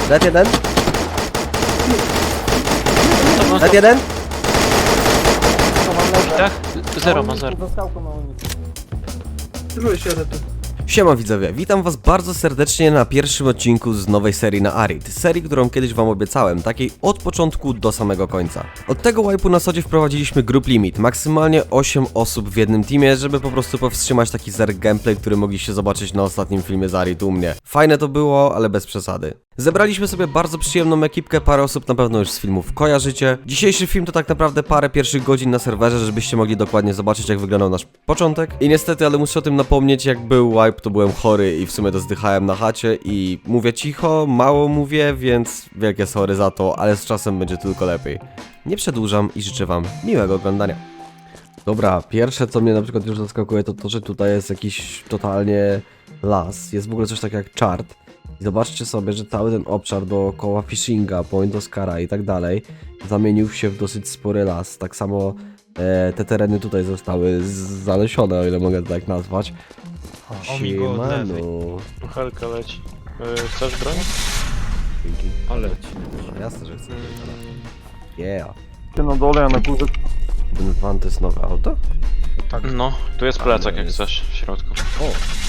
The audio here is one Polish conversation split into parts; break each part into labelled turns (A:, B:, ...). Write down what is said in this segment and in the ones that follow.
A: Dead jeden. Dead jeden.
B: Tak? Zero ma zero.
C: Byłeś tu.
A: Siema widzowie, witam was bardzo serdecznie na pierwszym odcinku z nowej serii na Arid. Serii, którą kiedyś wam obiecałem, takiej od początku do samego końca. Od tego wipe'u na sodzie wprowadziliśmy group limit, maksymalnie 8 osób w jednym teamie, żeby po prostu powstrzymać taki zerk gameplay, który mogliście zobaczyć na ostatnim filmie z Arid u mnie. Fajne to było, ale bez przesady. Zebraliśmy sobie bardzo przyjemną ekipkę, parę osób na pewno już z filmów kojarzycie. Dzisiejszy film to tak naprawdę parę pierwszych godzin na serwerze, żebyście mogli dokładnie zobaczyć, jak wyglądał nasz początek. I niestety, ale muszę o tym napomnieć, jak był wipe, to byłem chory i w sumie to zdychałem na chacie i mówię cicho, mało mówię, więc wielkie sorry za to, ale z czasem będzie tylko lepiej. Nie przedłużam i życzę wam miłego oglądania. Dobra, pierwsze co mnie na przykład już zaskakuje to to, że tutaj jest jakiś totalnie las, jest w ogóle coś takiego jak chart. I zobaczcie sobie, że cały ten obszar dookoła Fishinga, Point Oscara i tak dalej zamienił się w dosyć spory las. Tak samo te tereny tutaj zostały zalesione, o ile mogę to tak nazwać. Siemano.
B: Helka leci. Chcesz broń?
A: Dzięki.
B: Ale leci.
A: No, jasne, że chcę. Yeah.
C: Ty na dole, ja na górze.
A: Ten van to jest nowe auto?
B: Tak. No, tu jest plecak jak chcesz w środku.
A: O.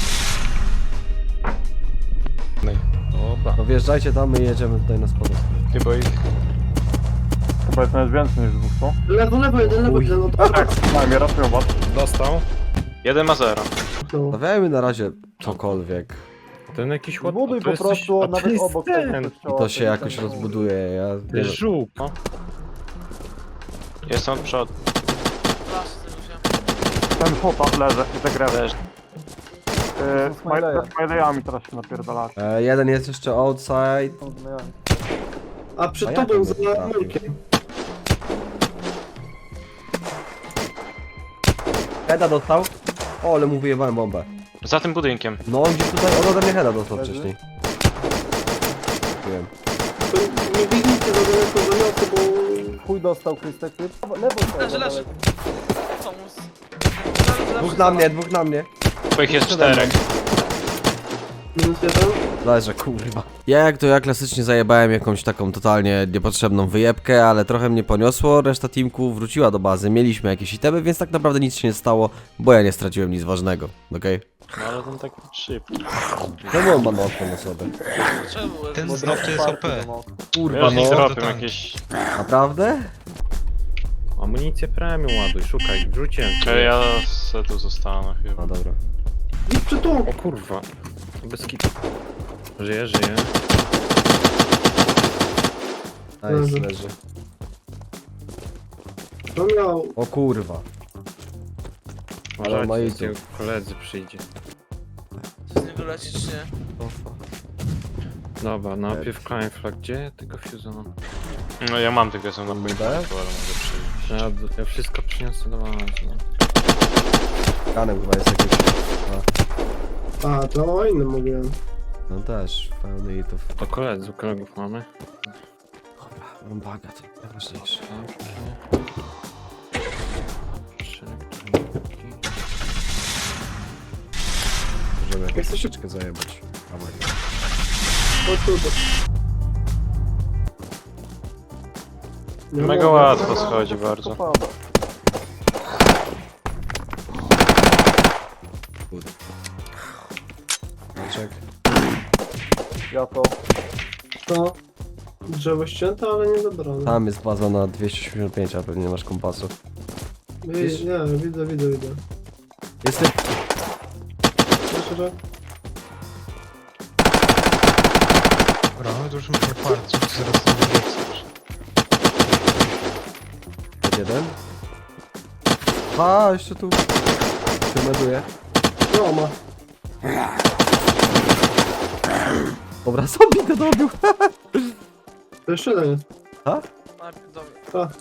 B: Dobra.
A: No wjeżdżajcie tam, my jedziemy tutaj na spodek.
B: Chyba ich...
C: Chyba jest nawet więcej niż dwóch, co?
D: Lewo, jeden, no
C: Tak, najmniej ratują was.
B: Dostał. Jeden ma zero.
D: to.
A: Stawiajmy na razie cokolwiek.
E: Ten jakiś ładny.
C: Zbuduj po prostu nawet obok tego
A: I
C: kościoła.
A: to się jakoś rozbuduje, ja...
E: To jest żółk.
B: No. Jestem od przodu.
C: Ten chłopak leży, i te grę.
B: Leży.
C: Z Smiley'ami teraz się napierdalasz.
A: Jeden jest jeszcze outside.
D: A przed
A: A jak
D: tobą
A: on
D: za
A: by trafił?
D: murkiem.
A: Heada dostał. O, ale mu wyjebałem bombę.
B: Za tym budynkiem.
A: No on gdzieś tutaj, on ode mnie heada dostał
C: Leży?
A: wcześniej. Wiem.
D: To nie biegnijcie za daleko za miasto, bo...
C: Chuj dostał Krystek, ty. Lewo
F: Leży. Pomóc.
A: Dwóch na mnie, dwóch na mnie.
B: Bo ich jest
A: Przede mną.
B: 4.
D: Minus jeden.
A: Leżę, kurwa. Ja jak to ja klasycznie zajebałem jakąś taką totalnie niepotrzebną wyjebkę, ale trochę mnie poniosło, reszta teamku wróciła do bazy, mieliśmy jakieś itemy, więc tak naprawdę nic się nie stało, bo ja nie straciłem nic ważnego, okej?
B: No ale ten taki szybki.
A: Czemu on ma notkę na sobie?
F: Czemu?
G: Ten znów to jest OP.
A: Kurwa
B: Wiesz, nie
A: no,
B: robią
G: tank.
B: jakieś...
A: naprawdę?
E: Amunicję premium ładuj, szukaj, wrzuciłem.
B: Ja se tu zostanę chyba.
A: No dobra.
D: Idź przed tą.
E: O kurwa. Bez kitu. Żyje, żyje.
A: Nice, leży.
D: To miał...
A: O kurwa. Ale ma
E: Uważajcie,
A: idzie.
E: koledzy przyjdzie.
F: Z niego leci czy nie?
E: Dobra, najpierw Crime Flag, gdzie tego fuse'a mam?
B: No ja mam tylko są na budynku, ale
A: Tak?
B: mogę przyjść.
E: Ja wszystko przyniosę do was, no.
A: Kanem chyba jest jakiś.
D: A, to o innym mówiłem.
A: No też, pełny itów.
E: To kolegów mamy.
A: Dobra, mam baga, to najważniejsze. Możemy jakąś
D: Jesteś-
A: troszeczkę zajebać. Dawaj.
D: O kurde. Nie
B: Mega
D: mogę.
B: łatwo schodzi bardzo.
A: Czek.
C: Ja to.
D: To... Drzewo ścięte, ale nie zabrane.
A: Tam jest baza na 285, a pewnie nie masz kompasu.
D: Nie, widzę.
A: Jestem.
D: Jeszcze raz.
G: Dobra, my to już musimy farcić, zaraz to będzie
A: Jeden. A, jeszcze tu. Się meduję.
D: No, ma.
A: Dobra, sobie to dobił.
D: To jeszcze jeden jest.
F: Najpierw do mnie.
D: A.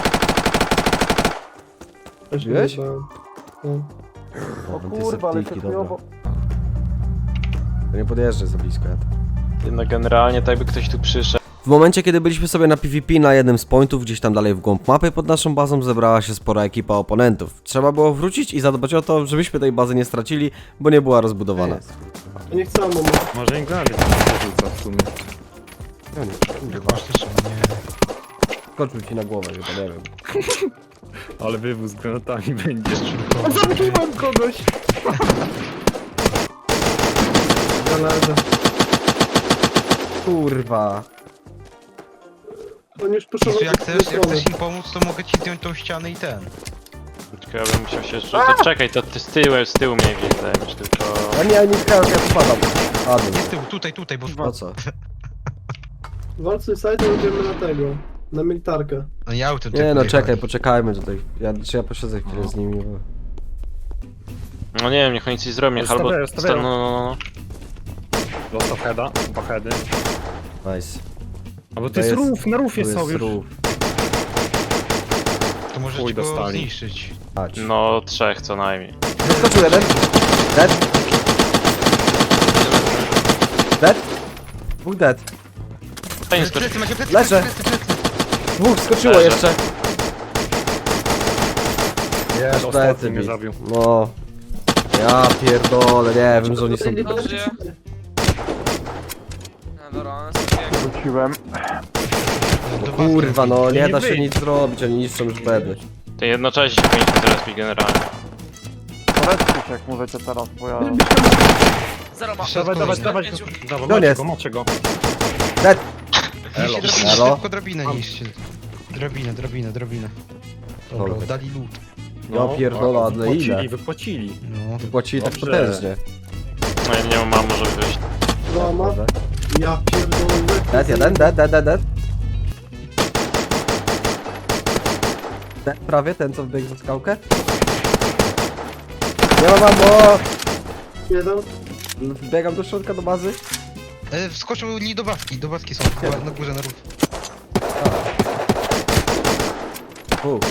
D: Jeszcze
A: Widziałeś?
D: nie brałem. No.
C: O kurwa, ale się
A: dobra.
C: chujowo.
A: To nie podjeżdżaj za blisko, ja to.
B: No generalnie tak by ktoś tu przyszedł.
A: W momencie, kiedy byliśmy sobie na PvP na jednym z pointów, gdzieś tam dalej w głąb mapy, pod naszą bazą zebrała się spora ekipa oponentów. Trzeba było wrócić i zadbać o to, żebyśmy tej bazy nie stracili, bo nie była rozbudowana.
D: To nie chcę, mama.
E: Może Inglady tam rzuca w sumie.
A: No nie, kurwa.
G: Faktycznie, nie.
A: Skoczył ci na głowę chyba, nie wiem.
E: Ale wywóz z granatami będzie.
G: Zabiłem
E: kogoś!
D: Zależy.
A: Kurwa.
D: On już poszedł
G: Jezu,
D: w
G: jak
D: drugą stronę.
G: chcesz im pomóc, to mogę ci zdjąć tą ścianę i ten.
B: Tylko ja bym musiał się... To czekaj, to ty z tyłu mnie gdzieś zajmiesz, tylko...
A: A nie, nie skałkę, ja spadam. Padł.
G: Nie z tyłu, tutaj, bo...
A: Po co?
D: Walcy side idziemy na tego. Na militarkę.
G: No ja autem
A: Nie no, czekaj, poczekajmy tutaj. Ja posiedzę chwilę z nimi, bo...
B: No nie wiem, niech oni coś zrobią, niech albo...
E: Stawiają.
B: No.
E: Dostał heada, dwa heady.
A: Nice.
E: A bo
A: To
E: to jest
A: jest-
E: rów, na rufie
A: Tu
E: są
A: jest
E: już.
A: rów.
G: To możecie
E: Chuj
G: go
E: dostali.
G: zniszczyć.
A: Chodź.
B: No, 3 co najmniej.
A: Wyskoczył jeden. Dead. Dead. Dwóch dead.
B: Ten skoczy...
G: Plecy, macie plecy,
A: Leżę.
G: plecy.
A: Dwóch skoczyło
B: Leżę.
A: jeszcze.
E: Jest,
A: Plecy
E: ostatni mnie
A: bić.
E: zabił.
A: No. Ja pierdolę, nie wiem, że oni są...
F: Dobrze. No dobra, one są jak...
C: Wróciłem.
A: Kurwa, no nie
E: Nie
A: da się
E: wyjdź.
A: nic zrobić, oni niszczą już bedy.
B: To jednocześnie się powinniśmy teraz bić generalnie.
C: Polećcie się jak możecie teraz, bo ja...
F: Zero ma.
G: Dawaj,
E: Dawaj,
F: Pięciu.
E: dawaj,
A: No nie.
E: macie go.
A: Dead.
G: Niszcie drabinę,
A: Elo.
G: szybko drabinę niszcie. Drabinę. Dobra,
A: Dobra.
G: dali loot.
A: Ja pierdolę, ale ile?
E: Wypłacili.
G: No,
A: Płacili tak
E: Dobrze.
A: potężnie.
B: No ja nie mam, może wyjść.
D: Złama. Ja pierdolę.
A: Dead jeden, dead. Dead prawie, ten co wbiegł za skałkę. Nie ma mamo!
D: Jeden.
A: Wbiegam do środka, do bazy.
G: wskoczył nie do baski są, na górze, na rów.
A: U.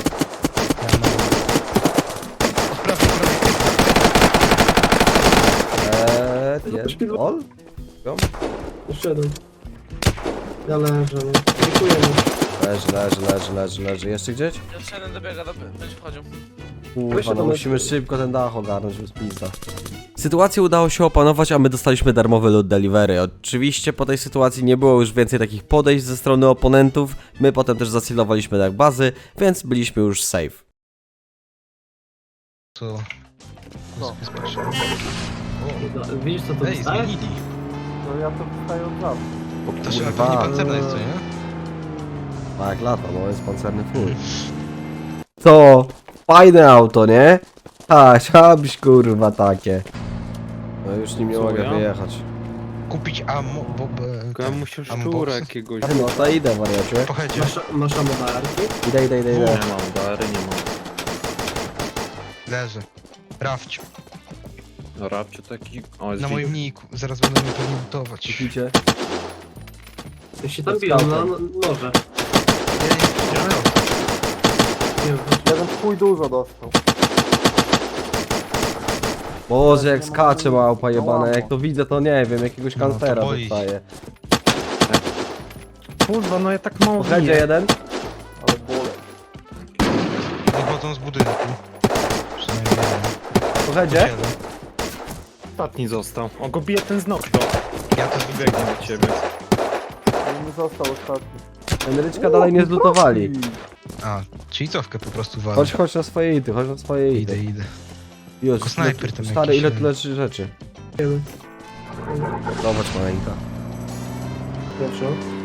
A: Jest. Ol?
D: Jeszcze jeden. Ja leżę, no. Dziękujemy.
A: Leży. Jeszcze gdzieś?
F: Jeszcze jeden dobiega, będzie wchodził.
A: Kurwa, no musimy szybko ten dach ogarnąć, bez pizda. Sytuację udało się opanować, a my dostaliśmy darmowy loot delivery. Oczywiście po tej sytuacji nie było już więcej takich podejść ze strony oponentów. My potem też zasilowaliśmy dach bazy, więc byliśmy już safe.
G: Co?
C: Co?
D: Widzisz co to
G: Ej,
D: dostaje?
G: zmienili.
C: To ja to dostaję od razu.
A: O
G: To się
A: kurwa.
G: pewnie pancerna jest, co nie?
A: Tak, lata, no jest pancerny full. Co? Fajne auto, nie? A, chciałabyś kurwa takie. No już nim nie
E: Co,
A: mogę
E: ja?
A: wyjechać.
G: Kupić ammo, bo...
E: Ja musiał
G: Ammo
E: szczura
G: boxy?
E: jakiegoś.
A: No to idę, wariacie.
G: Pochedzie.
D: Masz amodarki?
A: Idę.
E: Nie mam, dary nie mam.
G: Leży. Rafć.
E: No rapcie taki... O, jest
G: Na
E: widok.
G: moim niku. Zaraz będę mnie pewnie lutować.
A: Widzicie?
D: Ja się tam biją na noże. Nie wiem.
C: Jeden chuj dużo dostał.
A: Boże, jak skacze małpa jebane, jak to widzę to nie wiem, jakiegoś
G: No, to
A: kancera
G: boi się.
A: dostaje.
E: Kurwa, no ja tak mało
A: Pochedzie
E: biję.
A: jeden.
C: Ale bole.
G: Wychodzą z budynku. Przynajmniej jeden.
A: Pochedzie.
G: Siedem.
E: Ostatni został. On go bije ten z nóg, to.
G: Ja to widzę.
E: Biegnie do ciebie.
C: On mi został ostatni.
A: Emeryczka dalej nie zlutowali.
G: A, czyli cofkę po prostu walę.
A: Chodź na swoje ity, chodź na swoje ity.
G: Idę.
A: Już,
G: Tylko snajper tam
A: stary,
G: jakiś,
A: ile
G: nie?
A: tu leży rzeczy.
D: Wiemy.
A: Zobacz maleńka.
D: Pierwszy.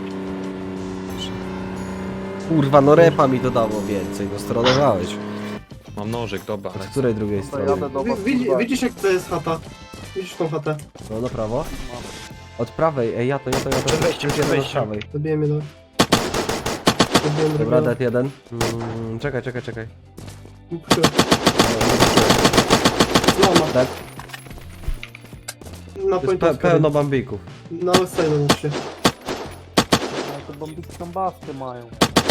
A: Kurwa, no repa mi to dało więcej, no stronowałeś.
E: Mam nożyk, dobra.
A: Od której drugiej
C: To
A: strony?
C: jadę do was.
D: Widzisz jak to jest chata? Widzisz tą chatę?
A: No na prawo? Od prawej, ej ja to.
E: Przed wejściem, przed
A: Od
E: wejściem.
A: prawej.
D: Zabiję mnie do... Zabiję
A: Dobra,
D: drugiego.
A: dead jeden. Czekaj.
D: Złama.
A: Dead.
D: Na
A: Jest
D: pointowską.
A: pełno bambików.
D: Na outside musi.
C: Te bombiki kambasty mają.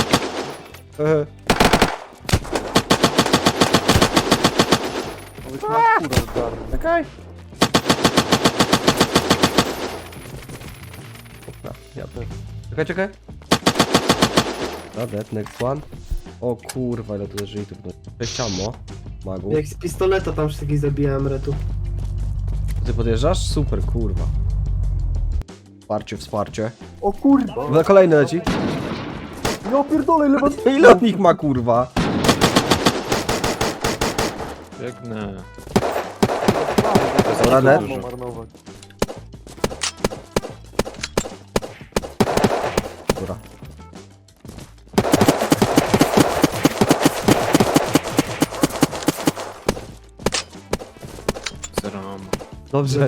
C: Może na skórę zgarnę.
A: Czekaj. Dobra, ja to. Czekaj. Dobra, dead, next one. O kurwa, ile tu leży i tu. 6 ammo. Magu.
D: Jak z pistoleta tam wszystkich zabijałem retu.
A: Ty podjeżdżasz? Super, kurwa. Wsparcie.
C: O kurwa!
A: Na kolejny leci.
C: Ja pierdolę, ile was...
A: Ile od nich ma, kurwa?
E: Biegnę.
A: Dobra, net.
C: marnować.
A: Dobra.
E: Zero ammo.
A: Dobrze.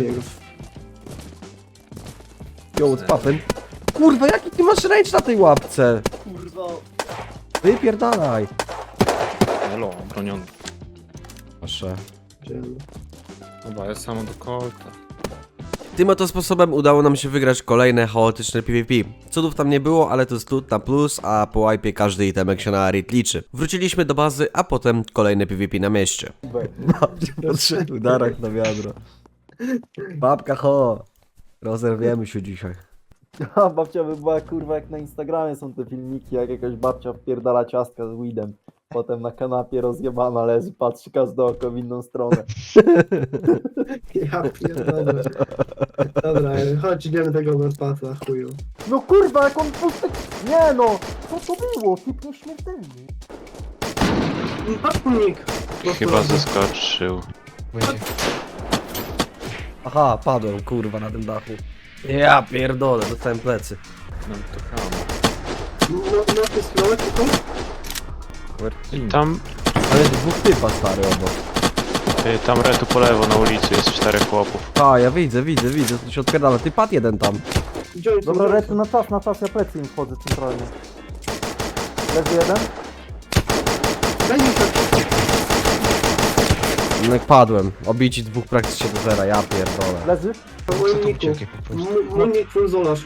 A: Yo, what's poppin'? Kurwa, jaki ty masz range na tej łapce?
C: Kurwa.
A: Wypierdalaj.
E: Elo, broniony.
A: Proszę.
E: Dobra, jest samo do kolta.
A: Tym oto sposobem udało nam się wygrać kolejne chaotyczne PvP. Cudów tam nie było, ale to jest loot na plus, a po wipe każdy itemek się na Arid liczy. Wróciliśmy do bazy, a potem kolejne PvP na mieście. Babcia podszedł darak na wiadro. Babka ho! Rozerwiemy się dzisiaj.
H: A babcia by była kurwa jak na Instagramie są te filmiki, jak jakaś babcia wpierdala ciastka z weedem. Potem na kanapie rozjebana leży, patrzy każde oko w inną stronę.
D: Ja pierdolę. Dobra, chodź, idziemy tego overpassa, chuju.
H: No kurwa, jak on pustek... Nie no! Co to było? Typ nieśmiertelny.
D: Patnik!
B: Chyba zaskoczył.
G: Będzie.
A: Aha, padłem, kurwa, na tym dachu. Ja pierdolę, dostałem plecy.
E: Mam to ammo.
D: No, na tej stronie, tylko?
B: Tam,
A: Ale jest dwóch typa, stary, obok.
B: tam retu po lewo na ulicy jest 4 chłopów.
A: A, ja widzę, to się odpierdala. Ty padł jeden tam.
D: Gdzie oni są?
H: Dobra, Retu, na czas, ja plecy im wchodzę centralnie. Leży jeden?
D: Daj mi się.
A: No jak padłem. Obici dwóch praktycznie do zera, ja pierdolę.
H: Leży?
D: Po
G: Co
D: moim
G: tu
D: niku.
G: ucieknie po prostu?
D: Mój nick full zolarz.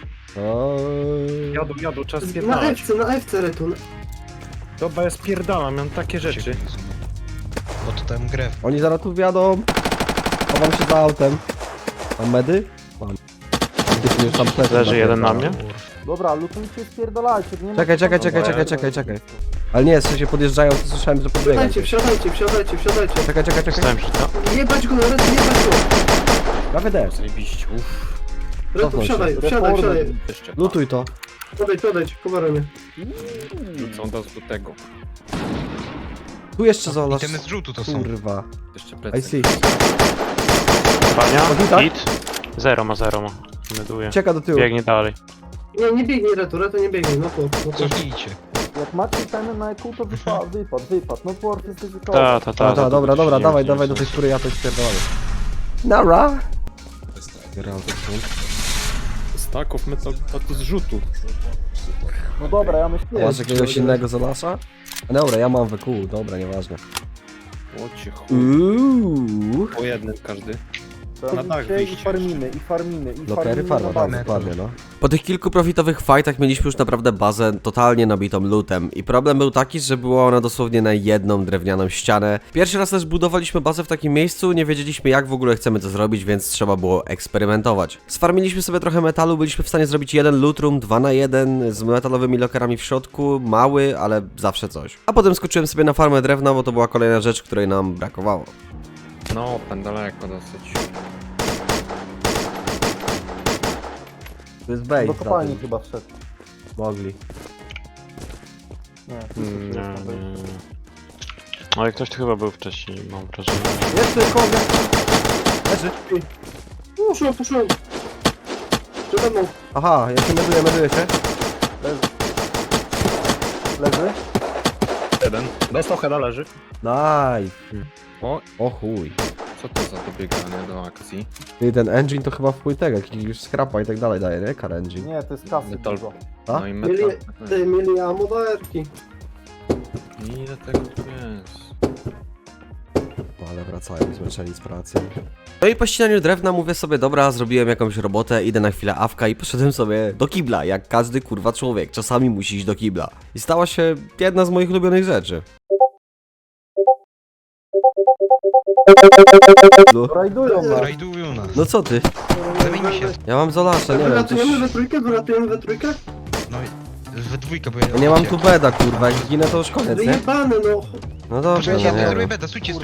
E: Jadą, czas
D: Na
E: spierdalać.
D: na FC Retu.
E: Dobra, ja spierdalam, mam takie rzeczy.
G: Bo to tam grę.
A: Oni zaraz tu wjadą. Chowam się za autem. Mam medy? Mam. Ty już tam plecy
B: Leży jeden na
A: napierdala.
B: mnie.
H: Dobra, lutujcie, spierdolajcie. Nie ma
A: Czekaj. Ale nie, w sensie podjeżdżają, to słyszałem, że podbiegają.
D: Wsiadajcie.
A: Czekaj.
B: Stałem się tam.
D: Jebać go, Retu, jebać go.
A: Prawie też.
E: Zajebiście, uff.
D: Retu,
A: Cofnął się.
D: wsiadaj.
E: Jeszcze.
A: Lutuj to.
D: Podejdź, coveruj mnie.
E: Rzucą do tego.
A: Tu jeszcze zolasz.
G: Itemy z rzutu to są.
A: Kurwa.
E: Jeszcze
A: I
E: plecy.
A: see.
B: Pania,
A: Podbita?
B: hit. Zero ma. Meduje.
A: Czeka do tyłu.
B: Biegnie dalej.
D: Nie biegnij Retu nie biegnij, no to.
G: Cofnijcie.
H: Jak macie itemy na EQ, to wypad. No Dwarf jest ryzykowy.
B: Ta,
A: Dobra,
B: to
A: dawaj
B: nie
A: do tej, której ja to spierdolę. Nara!
E: Staków metal, a to z rzutu.
H: No dobra, ja myślę...
A: Masz jakiegoś innego Zolasza? Dobra, ja mam WQ, dobra, nieważne.
E: Łocie chuj. Po jednym każdy. na dach
H: I
E: wyjść.
H: farminy.
A: Lokery farma, tak,
H: na
A: dokładnie, no. Po tych kilku profitowych fightach mieliśmy już naprawdę bazę totalnie nabitą lootem i problem był taki, że była ona dosłownie na jedną drewnianą ścianę. Pierwszy raz też budowaliśmy bazę w takim miejscu, nie wiedzieliśmy jak w ogóle chcemy to zrobić, więc trzeba było eksperymentować. Sfarmiliśmy sobie trochę metalu, byliśmy w stanie zrobić jeden loot room 2x1 z metalowymi lokerami w środku, mały, ale zawsze coś. A potem skoczyłem sobie na farmę drewna, bo to była kolejna rzecz, której nam brakowało.
E: No, daleko dosyć.
A: To jest bait,
H: Do
A: za
H: kopalni
A: tym.
H: chyba wszedł.
A: Mogli.
H: Nie,
B: Nie. Ale ktoś tu chyba był wcześniej, mam wrażenie.
H: Jeszcze kogoś.
A: Leży.
D: Puszczą. Przede mną.
A: Aha, ja się meduję się.
H: Leży.
E: Jeden. Dostał heada, leży.
A: Nice.
E: O,
A: O chuj.
E: co to za dobieganie do akcji?
A: Ty, ten engine to chyba wpój tego, jakiś już scrapa i tak dalej daje, nie? Car engine.
H: Nie, to jest kasy
E: Metal.
H: dużo.
A: A?
E: No i
D: Mieli,
E: metal.
D: mieli ammo do erki.
E: Ile tego tu jest?
A: No, ale wracają zmęczeni z pracy. No i po ścinaniu drewna mówię sobie, dobra, zrobiłem jakąś robotę, idę na chwilę awka i poszedłem sobie do kibla, jak każdy kurwa człowiek, czasami musi iść do kibla. I stała się jedna z moich ulubionych rzeczy. No,
H: Rajdują nas.
G: Rajdują nas.
A: no co ty?
G: Zamienimy się.
A: Ja mam Zolasza, nie wiem, coś...
D: Wyratujemy we trójkę?
G: No i we dwójkę, bo ja...
A: Ja nie mam tu beda, kurwa, jak ginę to już koniec, nie?
D: Wyjebany, no.
A: No dobrze,
G: Poczekajcie,
A: no
G: ja
A: nie
G: zrobię
A: wiem.
G: beda, stójcie.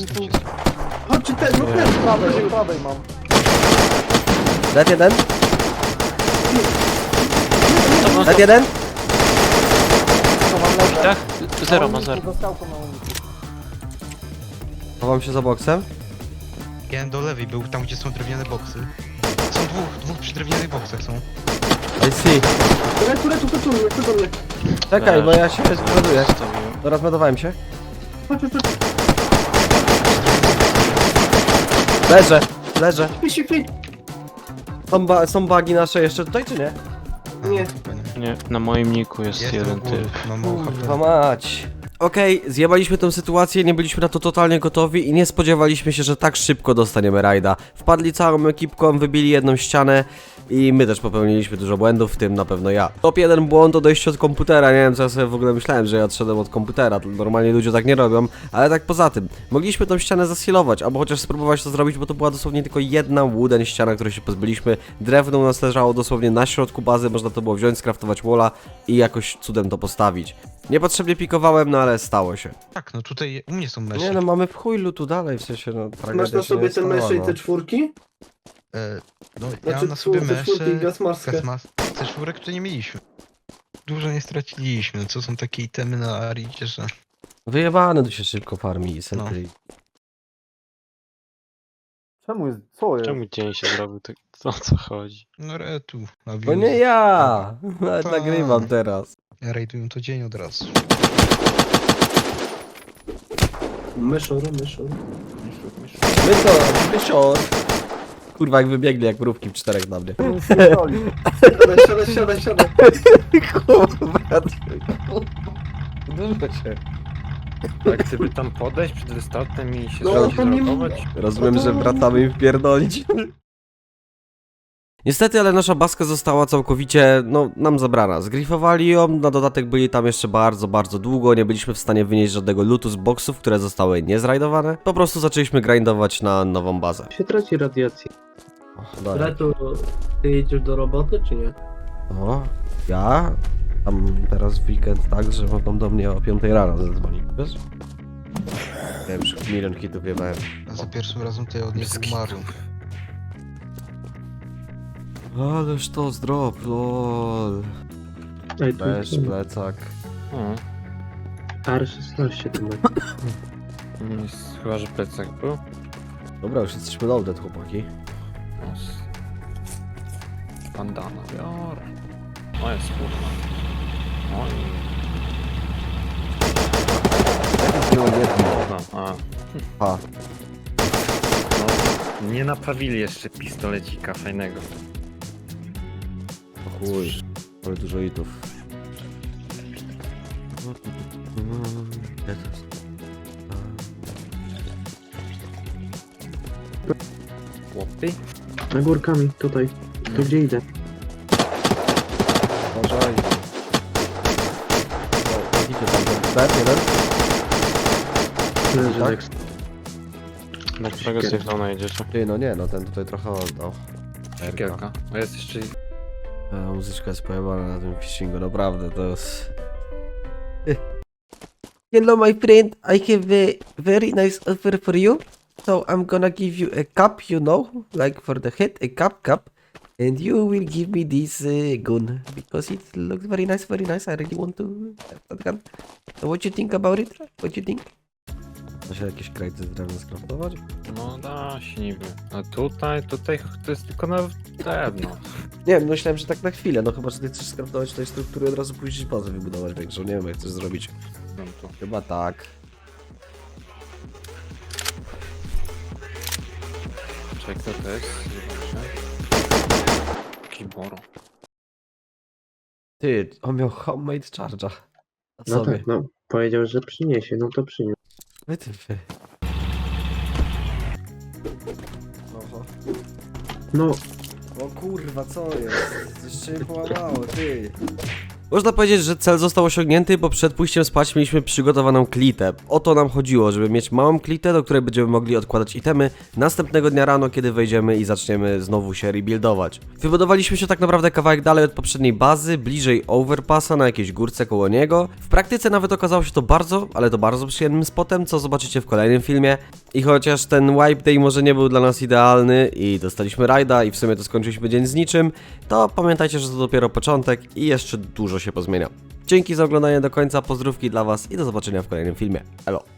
D: Chodźcie ten, no ten.
H: Prawej mam.
A: Dead jeden? Dead jeden?
H: Co mam leżeć?
B: Tak? Zero ma zero.
H: Za skałką na uniku.
A: Chowam się za boksem.
G: Jeden do lewej był, tam gdzie są drewniane boksy. Są dwóch przy drewnianych boksach są.
A: I see.
D: Tu do mnie.
A: Czekaj, bo ja się zbuduję. Teraz medowałem się.
D: Chodź.
A: Leżę.
D: Śpi.
A: Są bugi nasze jeszcze tutaj, czy nie?
D: Nie.
G: Chyba nie.
B: Nie, na moim niku jest
G: Jest
B: jeden
G: u góry,
B: typ.
G: mam mało HP.
A: Kurwa mać. Okej, zjebaliśmy tę sytuację, nie byliśmy na to totalnie gotowi i nie spodziewaliśmy się, że tak szybko dostaniemy rajda. Wpadli całą ekipką, wybili jedną ścianę i my też popełniliśmy dużo błędów, w tym na pewno ja. Top 1 błąd odejście od komputera, nie wiem co ja sobie w ogóle myślałem, że ja odszedłem od komputera, normalnie ludzie tak nie robią, ale tak poza tym, mogliśmy tą ścianę zasilować, albo chociaż spróbować to zrobić, bo to była dosłownie tylko jedna wooden ściana, której się pozbyliśmy. Drewno u nas leżało dosłownie na środku bazy, można to było wziąć, skraftować walla i jakoś cudem to postawić. Niepotrzebnie pikowałem, no ale stało się.
G: Tak, no tutaj u mnie są mesze.
A: Nie no, mamy w chuj lutu dalej, w sensie no...
D: Masz
A: tragedia
D: na
A: się
D: sobie
A: nie
D: te
A: stała,
D: mesze i
A: no.
D: te czwórki?
G: No ja
D: Znaczy
G: mam na sobie
D: te czwórki i
G: mesze,
D: gasmaskę.
G: te czwórek, które nie mieliśmy. Dużo nie straciliśmy, co są takie itemy na Aridzie, że...
A: Wyjebane tu się szybko farmi i sentry.
H: Czemu jest? Co jest?
B: Czemu dzień się zrobił? Tak, o co chodzi?
G: No retu, na
A: To nie ja! Nawet
G: Tak.
A: nagrywam teraz.
G: Ja rajduję to dzień od razu.
D: Myszor.
A: Mysior! Kurwa, jak wybiegli jak mrówki w czterech na mnie.
H: Pierdoli.
D: Siadaj.
A: Kurwa, dużo się.
E: Tak, gdyby tam podejść przed restartem i się
D: No, to nie
E: zrobić.
A: Rozumiem, że wracamy im wpierdolić. Niestety, ale nasza baska została całkowicie, no, nam zabrana. Zgrifowali ją, na dodatek byli tam jeszcze bardzo długo, nie byliśmy w stanie wynieść żadnego lootu z boksów, które zostały niezrajdowane. Po prostu zaczęliśmy grindować na nową bazę.
D: Się traci radiacja.
A: Dobra.
D: Retu, ty jedziesz do roboty, czy nie?
A: O, ja? Tam teraz w weekend tak, że mogą do mnie o 5 rano zadzwonić, wiesz? Ja już milion hitów jebałem.
G: A za pierwszym razem to ja od niego umarłem.
A: Ależ to zdrop, lol.
D: Ej,
A: Też plecak.
D: R16 to ma.
E: Chyba, że plecak był.
A: Dobra, już jesteśmy loaded, chłopaki.
E: Bandana biorę. O jest kurwa. Oj. No,
A: A,
E: no, nie naprawili jeszcze pistolecika fajnego.
A: o chuj. Ale dużo hitów.
E: Chłopy?
D: Na górkami, tutaj. Tu gdzie idę.
A: Uważaj. O, idzie tam ten step, jeden.
D: Leży
A: Tak?
D: Lex.
B: Na którego sygnału jedziecie?
A: Ty, no nie, no ten tutaj trochę oddał.
E: Szkiełka. A jest jeszcze...
A: Muzyczka jest pojebana na tym fishingu, naprawdę, to jest... Hello my friend, I have a very nice offer for you. So I'm gonna give you a cup, you know, like for the head, a cup. And you will give me this gun, because it looks very nice, I really want to have that gun. So what you think about it? What you think? Da się jakieś krajty z drewna skraftować?
E: No da się niby. A tutaj to jest tylko na drewno.
A: Nie wiem, myślałem, że tak na chwilę, no chyba, że ty chcesz skraftować tej struktury, od razu pójść bazę wybudować większą, nie wiem jak chcesz zrobić.
E: No tu.
A: Chyba tak.
E: Czekaj, co to jest? Kiboro.
A: Ty, on miał homemade charge'a. Na
D: No
A: sobie.
D: tak, no. Powiedział, że przyniesie, no to przyniesie.
A: Wytyfy. Oho.
D: No,
A: O kurwa, co jest? Jeszcze mnie połamało, ty. Można powiedzieć, że cel został osiągnięty, bo przed pójściem spać mieliśmy przygotowaną klitę. O to nam chodziło, żeby mieć małą klitę, do której będziemy mogli odkładać itemy następnego dnia rano, kiedy wejdziemy i zaczniemy znowu się rebuildować. Wybudowaliśmy się tak naprawdę kawałek dalej od poprzedniej bazy, bliżej overpassa, na jakiejś górce koło niego. W praktyce nawet okazało się to bardzo, ale to bardzo przyjemnym spotem, co zobaczycie w kolejnym filmie. I chociaż ten wipe day może nie był dla nas idealny i dostaliśmy rajda i w sumie to skończyliśmy dzień z niczym, to pamiętajcie, że to dopiero początek i jeszcze dużo się pozmienia. Dzięki za oglądanie do końca, pozdrówki dla was i do zobaczenia w kolejnym filmie. Elo!